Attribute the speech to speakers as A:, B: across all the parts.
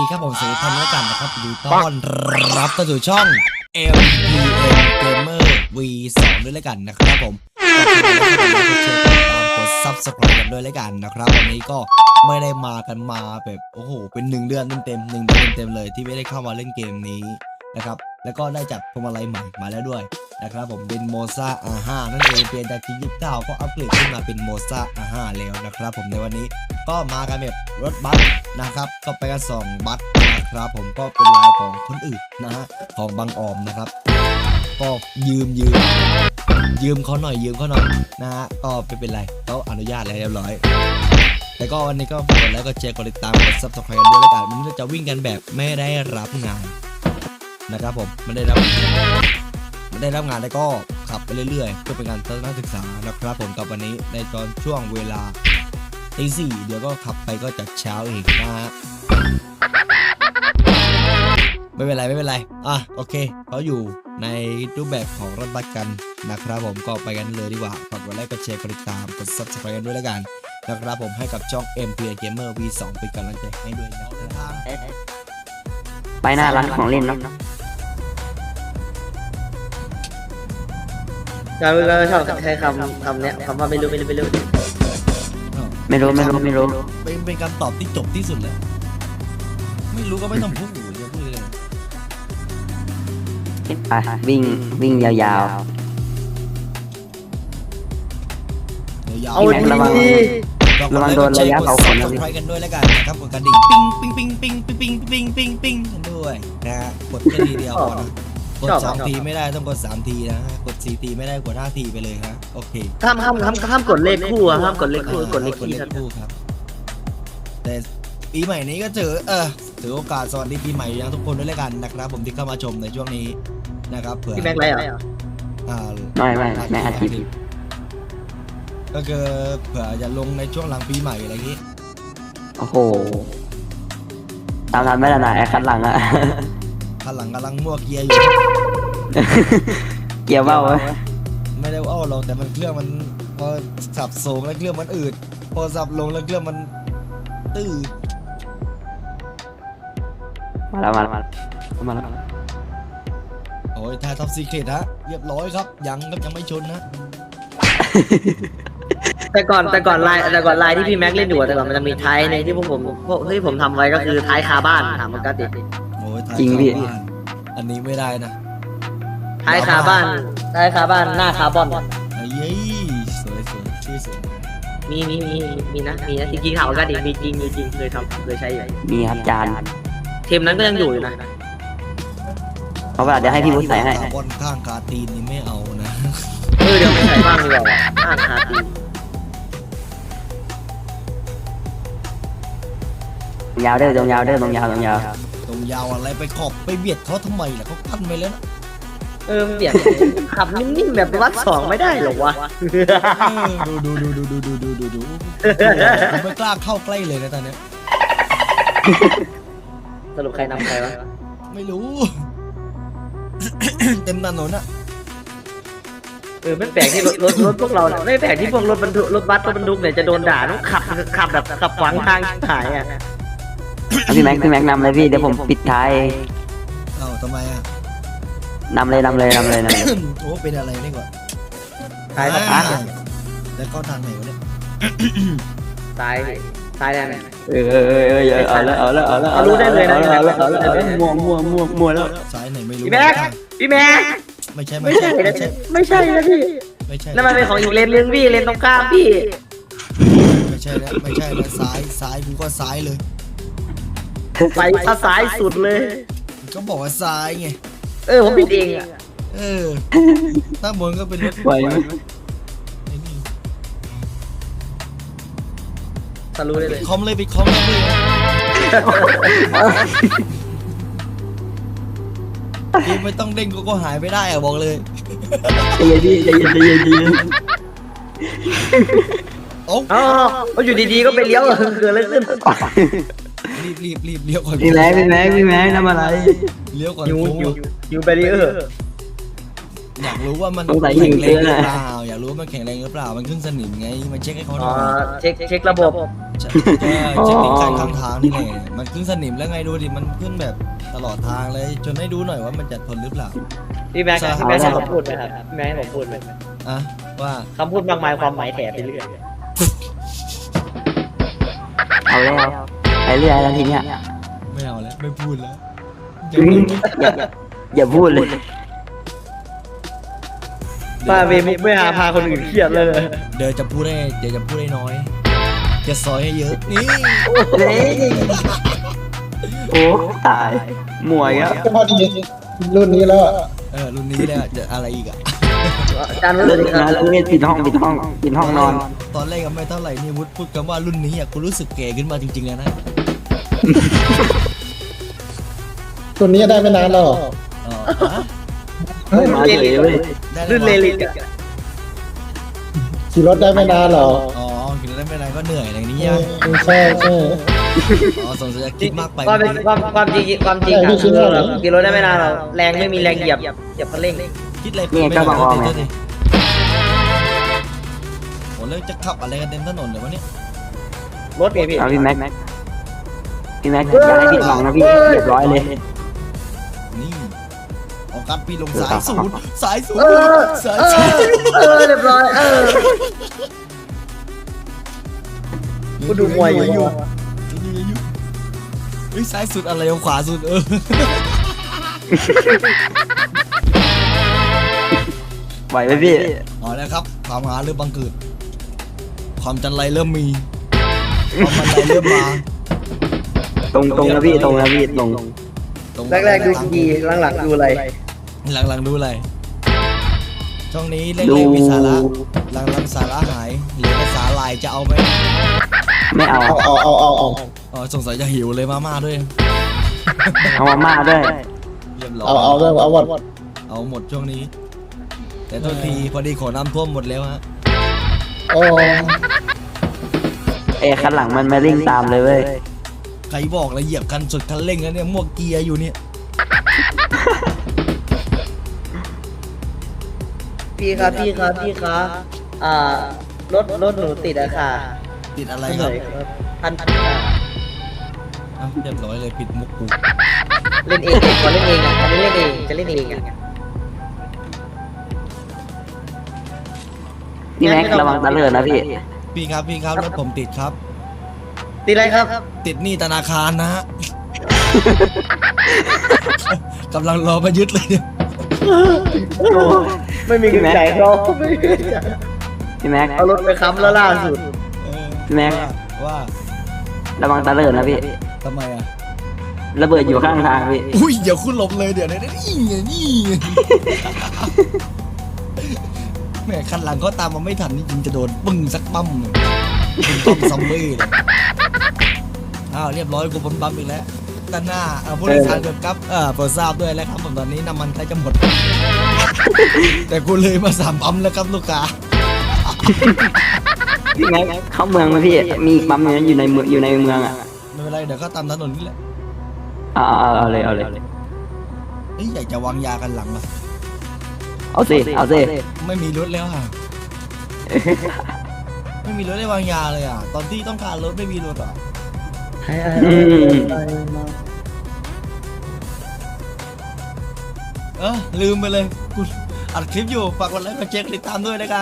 A: ครับผมสวัสดีท่านด้วยกันนะครับดูต้อนรับเข้าสู่ช่อง MPN Gamer V2 ด้วยแล้วกันนะครับผมกด Subscribe กันด้วยแล้วกันนะครับวันนี้ก็ไม่ได้มากันมาแบบโอ้โหเป็น1 เดือนเต็มเลยที่ไม่ได้เข้ามาเล่นเกมนี้นะครับแล้วก็ได้จัดพวงมาลัยใหม่มาแล้วด้วยนะครับผมเป็นโมซ่า R5 นั่นเองเปลี่ยนจากที่29ก็อัปเกรดขึ้นมาเป็นโมซ่า R5 แล้วนะครับผมในวันนี้ก็มากันแบบรถบัสนะครับก็ไปกัน2 บัสนะครับผมก็เป็นลายของคนอื่นนะฮะของบางออมนะครับก็ยืมเขาหน่อยนะฮะก็ไม่เป็นไรเขาอนุญาตแล้วเรียบร้อยแต่ก็วันนี้ก็กดแล้วก็แชร์กดติดตามกด Subscribe กันด้วยแล้วกันวันนี้เราจะวิ่งกันแบบไม่ได้รับงานนะครับผมไม่ได้รับงานแล้วก็ขับไปเรื่อยๆเพื่อเป็นการทัศนศึกษานะครับผมกับวันนี้ในตอนช่วงเวลาตี 4เดี๋ยวก็ขับไปก็จากเช้าเองนะฮะไม่เป็นไรอ่ะโอเคเขาอยู่ในรูปแบบของรถบัสกันนะครับผมก็ไปกันเลยดีกว่าฝากกดไลค์กดแชร์กดติดตามกด Subscribe กันด้วยแล้วกันนะครับผมให้กับช่อง MPN Gamer V2 เป็นกำลังใจให้ด้วยนะครับ
B: ไปหน้าร้านของเล่นเนาะ
C: เราชอบใช้คำเนี้ยคำว่าไม่รู้
A: เป็นคำตอบที่จบที่สุดเลยไม่รู้ก็ไม่ต้องพูดอย่าพูดเลย
B: ไปวิ่งยาว
C: เอาดี
B: ระวังโดนระยะเผาขนนะพี่
A: กันด้วยแล้วกันนะครับกดกระดิ่งปิ้งกันด้วยนะฮะกดแค่ทีเดียวพอนะกด2 ทีไม่ได้ต้องกด3 ทีนะกด4 ทีไม่ได้กด5 ทีไปเลยนะโอเค
C: ห้ามกดเลขคู่ห้ามกดเลขคู่กดเลขคู่
A: ครับแต่ปีใหม่นี้ก็ถือโอกาสสวัสดีปีใหม่ยังทุกคนด้วยแล้วกันนะครับผมที่เข้ามาชมในช่วงนี้นะครับเผื่อ
C: พี่แม็กไรเหรอ
B: ไม่อาทิตย์
A: ก็คือเผื่อจะลงในช่วงหลังปีใหม่อะไรอย่างนี้
B: โอ้โหตามทันไม่ได้ไหนคันหลังอะ
A: คันหลังกำลังมั่วเกียร์อยู่
B: เกียร์เบ้า
A: ไม่ได้ว่าหรอกแต่มันเครื่องมันพอสับสูงแล้วเครื่องมันอืดพอสับลงแล้วเครื่องมันตื้อ
B: มาแล้ว
A: โอ้ยทายท็อปซีเคร็ตฮะเรียบร้อยครับยังไม่ชนนะ
C: แต่ก่อนลายที่พี่แม็กเล่นอยู่แต่ก่อนมันจะมีท้ายในที่ผมทำไว้ก็คือท้ายคาบ้านถามมันก็ติด
A: โอ้ยท้ายคาบ้านอันนี้ไม่ได้นะ
C: ท้ายคาบ้านหน้าคาร์บอน
A: เย้สวยชื่อสวย
C: มีนะจริงๆถามมันก็ติดมีจริงเคยใช้อยู่
B: มีครับจาน
C: เทมนั้นก็ยังอยู่นะ
B: เพราะว่าเดี๋ยวให้พี่บุ๊คใส่ให้
A: บนข้างคาตีนนี่ไม่เอานะ
C: เดี๋ยวไม่ใส่บ้างดีกว่าข้างคาตีน
B: ยาวเด้อตรงยาว
A: อะไรไปขอบไปเบียดเขาทำไมล่ะเขากั้นไปแล้วนะ
C: เบียดขับนิ่มๆแบบวัด2ไม่ได้หรอวะ
A: ดูไม่กล้าเข้าใกล้เลยนะตอนนี้
C: สรุปใครนำใครวะ
A: ไม่รู้เต็มถนนอะ
C: ไม่แปลกที่รถพวกเราไม่แปลกที่พวกรถบัสรถบรรทุกเนี่ยจะโดนด่าต้องขับแบบขับขวางทางถ่ายอ่ะ
B: พี่แม็กนำเลยพี่เดี๋ยวผมปิดท้าย
A: ทำไมอ่ะ
B: นำเลย
A: โอ้เป็นอะไรนี่ก่อน
C: ท้าย
A: แล้วก็ทางไหนวะเนี่ย
C: ซ้ายได้ไหม
B: เอาแล้ว
C: รู้ได้เลยนะ
B: มัวแล้ว
A: ซ้ายไหนไม่รู้
C: พี่แม็ก
A: ไม่ใช่
C: นะพี่ไม่ใช่นั่นมันเป็นของอีกเลนนึงพี่เลนตรงข้ามพี่
A: ไม่ใช่แล้วซ้ายกูก็ซ้ายเลย
C: ไปซ้ายสุดเลย
A: ก็บอกว่าซ้ายไง
C: ผมผิดเองอ่ะ
A: ตั้งบนก็เป็นรถ
B: ไหวไหม
C: ทะลุได้เลย
A: คอมเลยไม่ต้องเด้งก็หายไม่ได้อะบอกเลย
B: ใจเย็น
A: โอ้
C: อยู่ดีๆก็ไปเลี้ยวเกิดอะไรขึ้น
A: รีบเลี้ยวก่อน
B: พี่แม็กทำอะไร
A: เลี้ยวก่อน
C: อยู่แบรีเออร์
A: อยากรู้ว่ามัน
B: สงสัย
A: แข็งแรง
B: ยิง
A: ห
B: เตื
A: รือ
B: อน
A: เปล่าอยากรู้ว่ามันแข็งแรงหรือเปล่ามันขึ้นสนิมไงมันเช็คให้เขาห
C: อ๋
A: น่
C: อ
A: อย
C: เช็คระบบ
A: เช็คติดการข้างทางนี่แหละมันขึ้นสนิมแล้วไงดูดิมันขึ้นแบบตลอดทางเลยจนให้ดูหน่อยว่ามันจะทนหรือเปล่า
C: พี่แม็กซ์ให้ผมพูดไหมครับพี่แม็กซ์ให้ผมพูดไหม
A: อ่ะว่า
C: คำพูดมากมายความหมายแถไปเรื่อย
B: เอาแล้วไปเรื่อยแล้วทีเนี้ย
A: ไม่เอาแล้วไม่พูดแล้ว
B: อย่าพูดเลย
C: ป้าเวมุกไม่หาพาคนอื่นเครียดเลย
A: เดี๋ยวจะพูดให้น้อยจะซอยให้เยอะนี่
B: เฮ้ยโอ้ตายหมวยอ่ะ
D: ก็พอดีรุ่นนี้แล้วอะ
A: รุ่นนี้เลยจะอะไรอีกอ่ะ
C: อาจารย์รู้
B: เลิ
C: สึ
B: ก
C: ก
B: นะเลิกปิดห้องนอน
A: ตอนแรกก็ไม่เท่าไหร่นี่วุฒิพูดคำว่ารุ่นนี้อ่ะกูรู้สึกแก่ขึ้นมาจริงๆแล้วนะ
D: รุ่นนี้ได้ไม่นานแล้วเหรอ
A: อ๋อฮะ
B: มาเฉยเลย
A: ได้
C: ลื่นเล
A: ย
C: ลิกอะ
D: ขี่รถได้ไม่นานเหรอ
A: อ๋อกินแล้วไม่เป็นไรก็เหนื่อยอะไรอย่างนี้
D: ใช่
A: อ่ะ
D: ใช่ใช่
A: อ๋อสงสัยจะคิดมากไป
C: ความจริงอะกิโลได้ไม่นานหรอกแรงไม่มีแรงเหยียบคันเร่ง
A: คิดอะไร
B: นี่ก็บอกว่าไง
A: ดิโหแล้วจะขับอะไรกันเต็มถนนเดี๋ยววะเนี่ย
C: รถไงพี่
B: เอาพี่แม็กอย่าให้ผิดหวังนะพี่เรียบร้อยเลย
A: นี่ออกการปีลงสายศูนย์สายศูน
C: เอ
A: ย์
C: อ
A: สาย
C: เอ
A: ศูนย์
C: อเรียบร้อยกูดูมวยอยู่
A: อยู่เฮ้ยซ้ายสุดอะไรเอาขวาสุด
B: ไหวไหมพี่
A: เอาแล้วครับความหาเริ่มบังเกิดความจันไรเริ่มมีความมันไรเริ่มมา
B: ตรงนะพี่ตรง
A: ตรง
C: แรกๆดูดีหลังๆดูอะไร
A: หลังๆดูอะไรช่องนี้เล่
B: ดู
A: นๆมีสาระหลังๆสาระหายเหลือแต่สาลายจะเอาไหม
B: ไม่เอา
D: เอา
A: อ๋อสงสัยจะหิวเลยมาม่าด้วย
B: เอามาม่าด้วย
A: เรียบร้อย
D: เอาเรื่องเอาหมด
A: เอาหมดช่วงนี้ แต่โทษทีพอดีขอน้ำท่วมหมดแล้วฮะ
D: โอ้
B: คันหลังมันมาเร่งตามเลยเว้ย
A: ใครบอกละเหยียบคันสุดคันเร่งแล้วเนี่ยมวกเกียร์อยู่เนี่ย
C: พี่ครับรถหนูติดอะค่ะ
A: ติดอะไรครับ
C: พัน
A: อ่ะเรียบร้อยเลยปิดมุกกู
C: เล่นเองขอเล่นเองอ่ะอันนี้เล่นเองจะเล่นเองอ่ะ
B: พี่แม็กระวังตะเลิดนะพี่
A: พี่ครับรถผมติดครับ
C: ติดอะไรครับ
A: ติดหนี้ธนาคารนะฮะ กำลังรอมายึดเลยเนี่ย
C: ไม่มีเงินจ่ายเขาไม่มีเงินจ่าย
B: พี่แม็ก
C: เอารถไปค้ำแล้วล่าสุด
A: เออ
B: พี่แม็ก
A: ว่า
B: ระวังตะเลิดนะพี่
A: ทำไมอ่ะ
B: ระเบิดอยู่ข้างทางพี่
A: อุ้ยเดี๋ยวคุณหลบเลยเดี๋ยวนี่นี่แม่คันหลังเขาตามมาไม่ทันนี่จริงจะโดนปึ้งสักปั๊มเลยปึ้งปั๊มซัมบี้เลยอ้าวเรียบร้อยกูบนปั๊มอีกแล้วด้านหน้าผู้โดยสารเกิดกับโปรดทราบด้วยแล้วครับผมตอนนี้น้ำมันใกล้จะหมด แต่กูเลยมา3 ปั๊มแล้วครับลูกค้า
B: พี่แม็กเข้าเมืองไหมพี่ มีอีกปั๊มหนึงอยู่ในเมืองอ่ะ
A: ไม่เป็นไรเดี๋ยวก็ตามถนนนี่แหละ
B: เอาเลย
A: เฮ้ยอยากจะวางยากันหลังอ่ะ
B: เอาสิ
A: ไม่มีรถแล้วอ่ะ ไม่มีรถได้วางยาเลยอ่ะ ตอนที่ต้องการรถไม่มีรถอ่ะ
B: อืม
A: ลืมไปเลยกูอัดคลิปอยู่ฝากกดไลค์กดแชร์ติดตามด้วยนะกัน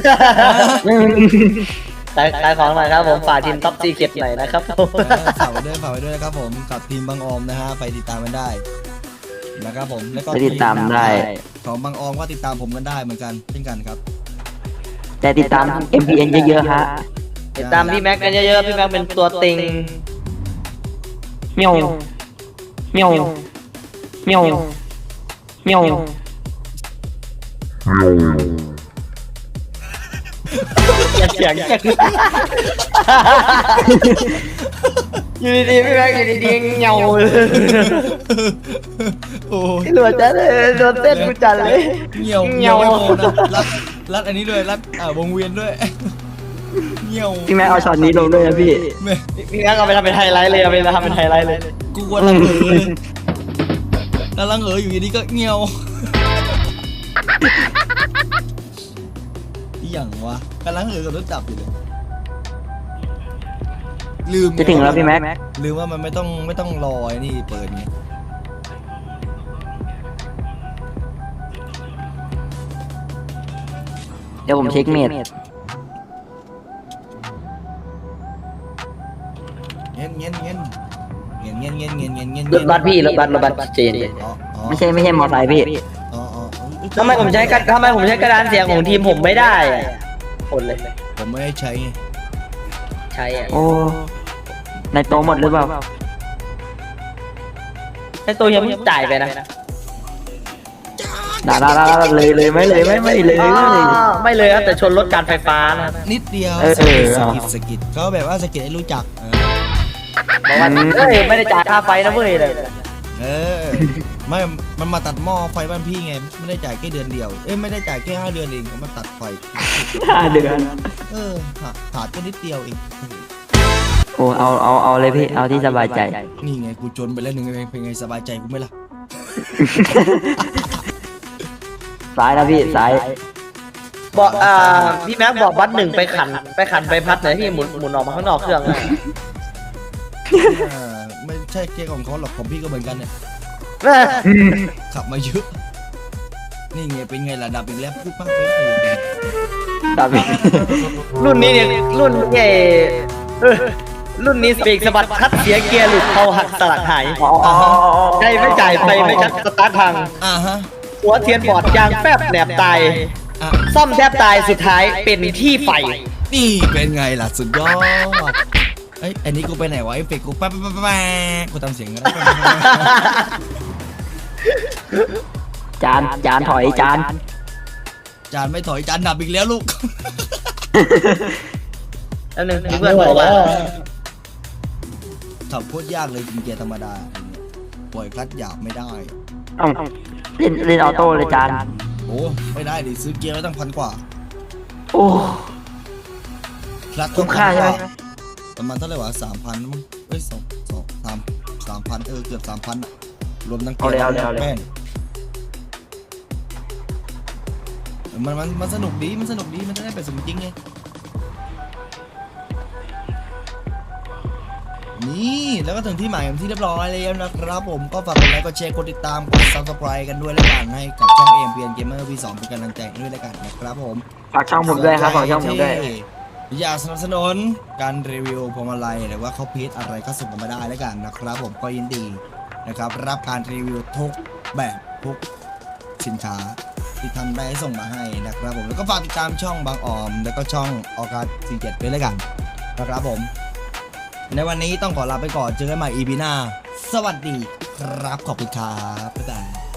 C: ขายของหน่อยครับผมฝากทีมท็อปซีเก็ตหน่อยนะครับผม
A: ฝากไว้ด้วยนะครับผมกับทีมบางออมนะฮะไปติดตามกันได้นะครับผมแล้วก็
B: ไปติดตามได้
A: ของบางออมก็ติดตามผมกันได้เหมือนกันเช่นกันครับ
B: แต่ติดตาม MPN เยอะๆฮะ
C: ติดตามพี่แม็กกันเยอะๆพี่แม็กเป็นตัวติง
B: เมียวเมียวเมียวเมียว
C: เสียงอยู่ดีๆพี่แม็กอยู่ดีๆเงาเลย
A: โอ้ย
C: หลวดจัดเลยโดนเต้นกูจัดเลย
A: เงี่ยว
C: เงี่ยว
A: ไม่พอนะรัดอันนี้ด้วยรัดวงเวียนด้วยเงี่ยว
B: พี่แม็กเอาช็อตนี้ลงด้วยนะพี่
A: แม่
C: พี่แม็กเอาไปทำเป็นไฮไลท์เลยเอาไปทำเป็นไฮไลท์เลย
A: กูกลัวลังเอ๋อเลยกำลังเอ๋ออยู่ดีๆก็เงี่ยวอีหยังวะกำลังกับรถจับอยู่เลยลืม
B: จะถึงแล้วพี่แม็ก
A: ลืมว่ามันไม่ต้องรอไอ้นี่เปิดไง
B: เดี๋ยวผมเช็คเมด
A: เงี้ย
C: รถบัสพี่รถบัสเจน
B: ไม่ใช่มอไซค์พี่
A: อ๋อ
C: ทำไมผมใช้กระดานเสียงของทีมผมไม่ได้อะคนเลย
A: ผมไม่ได้ใช้ไง
C: ใช้อ่ะ
B: โอ้ในโตะหมดหรือเปล่า
C: ไอ้ตัวยังไม่จ่ายไปนะ
B: ด่าเลยไม่เลย
C: ไม่เลยครับแต่ชนรถการไฟฟ้านะ
A: นิดเดียว
B: เออ
A: สกิดเขาแบบว่าสกิดให้รู้จัก
C: บอกว่าเฮ้ยไม่ได้จ่ายค่าไฟนะเว้ยเลย
A: เออไม่มันมาตัดหม้อไฟบ้านพี่ไงไม่ได้จ่ายแค่เดือนเดียวไม่ได้จ่ายแค่5 เดือนเองเขามาตัดไฟ
B: 5 เดือน
A: ขาดก็นิดเดียวเอง
B: โอ้เอาเลยพี่เอาที่สบายใจ
A: นี่ไงกูจนไปแล้วหนึ่งเป็นไงสบายใจกูไหมล่ะ
B: ซ้ายนะพี่ซ้าย
C: บอกพี่แม็กบอกบัสหนึ่งไปขันไปพัดหน่อยพี่หมุนออกมาข้างนอกเครื่องนะ
A: ไม่ใช่แค่ของเขาหรอกของพี่ก็เหมือนกันเนี่ยขับมาเยอะนี่ไงเป็นไงล่ะดับอีกแล้วพูดมากไปเลย
B: ดับพี่
C: รุ่นนี้เนี่ยรุ่นใหญ่รุ่นนี้เบรกสะบัดคัดเสียเกียร์หลุดเขาหักสลักหายใครไม่จ่ายไฟไม่ชัดสตาร์ทพัง
A: ฮะ
C: หัวเทียนบอดยางแฟบแหนบตาย
A: อ่ะ
C: ซ่อมแทบตายสุดท้ายเป็นที่ไฟ
A: นี่เป็นไงล่ะสุดยอดอันนี้กูไปไหนวะเอฟเฟกต์กูแป๊บกูทำเสียงกัน
B: จานถอยจาน
A: จานไม่ถอยจานดับอีกแล้วลูก
C: แล้วหนึ่ง
D: ไม่
C: เพื่อน
D: ไหว
C: บอก
D: แล้
C: ว่า
D: ว
A: ขับโคตรยากเลยกินเกียร์ธรรมดาปล่อยคลัตช์หยาบไม่ได้
B: เอ้าเล่นออโต้เลยจาน
A: โอ้ไม่ได้ดิซื้อเกียร์ไว้ตั้ง1,000 กว่า
B: โอ้
A: คลัตช์
B: คุ้มค่าใช่ไหม
A: ประมาณเท่าไหร่วะ3,000มั้ง3,000เกือบ 3,000อะรวมทั้งเกียร์และแป้งมันสนุกดีมันจะได้เป็นสมจริงไงนี่แล้วก็ถึงที่หมายที่เรียบร้อยแล้วนะครับผมก็ฝากกดไลค์กดแชร์กดติดตามกด Subscribe กันด้วยแล้วกันให้กับช่อง AMPN Gamer V2 เป็นกำลังใจด้วยแล้วกันนะครับผม
B: ฝากช่องผมด้วยครับฝากช่องผมด้วย
A: อยากสนับสนุนการรีวิวพวงมาลัยหรือว่าเขาพีชอะไรก็ส่งกันมาได้แล้วกันนะครับผมก็ยินดีนะครับรับการรีวิวทุกแบบทุกสินค้าที่ท่านได้ส่งมาให้นะครับผมแล้วก็ฝากติดตามช่องบางออมแล้วก็ช่องออกัส47ด้วยแล้วกันนะครับผมในวันนี้ต้องขอลาไปก่อนเจอกันใหม่ EP หน้าสวัสดีครับขอบคุณครับบ๊ายบาย